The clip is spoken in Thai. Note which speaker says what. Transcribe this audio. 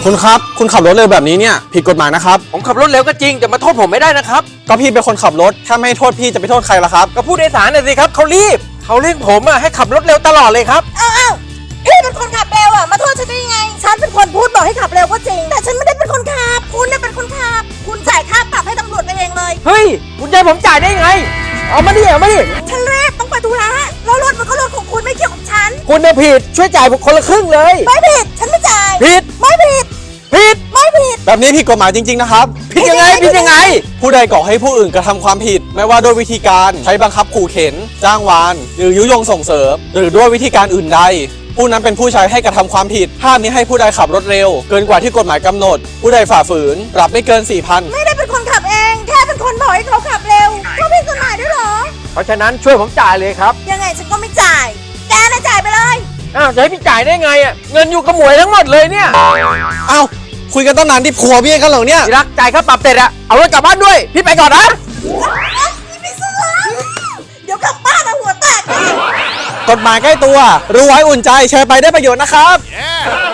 Speaker 1: คุณครับคุณขับรถเร็วแบบนี้เนี่ยผิดกฎหมายนะครับ
Speaker 2: ผมขับรถเร็วก็จริงแต่มาโทษผมไม่ได้นะครับ
Speaker 1: ก็พี่เป็นคนขับรถถ้าไม่ให้โทษพี่จะไปโทษใครล่ะครับ
Speaker 2: ก็ผู้โดยสารน่ะสิครับเขารีบเขาเร่งผมอะให้ขับรถเร็วตลอดเลยครับ
Speaker 3: อ้าวพี่เป็นคนขับเร็วมาโทษฉันได้ยังไงฉันเป็นคนพูดบอกให้ขับเร็วก็จริงแต่ฉันไม่ได้เป็นคนขับคุณน่ะเป็นคนขับคุณจ่ายค่าปรับให้ตำรวจไปเองเลย
Speaker 2: เฮ้ยคุณใจผมจ่ายได้ไงเอามาดิ
Speaker 3: ฉันรีบต้องไปธุระแล้วรถมันก็รถของคุณไม่เกี่ยวกับฉัน
Speaker 2: คุณเนี่ยผิดช่วยจ่ายผมคนละครึ่งเลย
Speaker 3: ไม่ผิดฉันไม่จ่าย
Speaker 2: ผิด
Speaker 3: ไม่ผิดไม่ผิด
Speaker 1: แบบนี้ผิดกฎหมายจริงๆนะครับ
Speaker 2: ผิดยังไง
Speaker 1: ผู้ใดก่อให้ผู้อื่นกระทำความผิดไม่ว่าด้วยวิธีการใช้บังคับขู่เข็นจ้างวานหรือยุยงส่งเสริมหรือด้วยวิธีการอื่นใดผู้นั้นเป็นผู้ใช้ให้กระทำความผิดห้ามมิให้ผู้ใดขับรถเร็วเกินกว่าที่กฎหมายกำหนดผู้ใดฝ่าฝืนปรับไม่เกิน 4,000
Speaker 3: ไม่ได้เป็นคนขับเองแค่เป็นคนบอกให้เขาขับเร็วก็ผิดกฎหมายด้วยเหรอ
Speaker 2: เพราะฉะนั้นช่วยผมจ่ายเลยครับ
Speaker 3: ยังไงฉันก็ไม่จ่ายแกน่ะจ่ายไปเลย
Speaker 2: อ้าวจะให้พี่จ่ายได้ไงอ่ะเงินอยู่กับหมวยทั้งหมดเลยเนี่ย
Speaker 1: อ้าวคุยกันตั้งนานที่ผัวเมียกันเหรอเนี่ย
Speaker 2: ที่รักจ่ายค่าปรับเสร็จอะเอารถกลับบ้านด้วยพี่ไปก่อนนะ
Speaker 3: ไม่ซื้อเดี๋ยวกลับบ้านหัวแตก
Speaker 1: กฎหมายใกล้ตัวรู้ไว้อุ่นใจแชร์ไปได้ประโยชน์นะครับ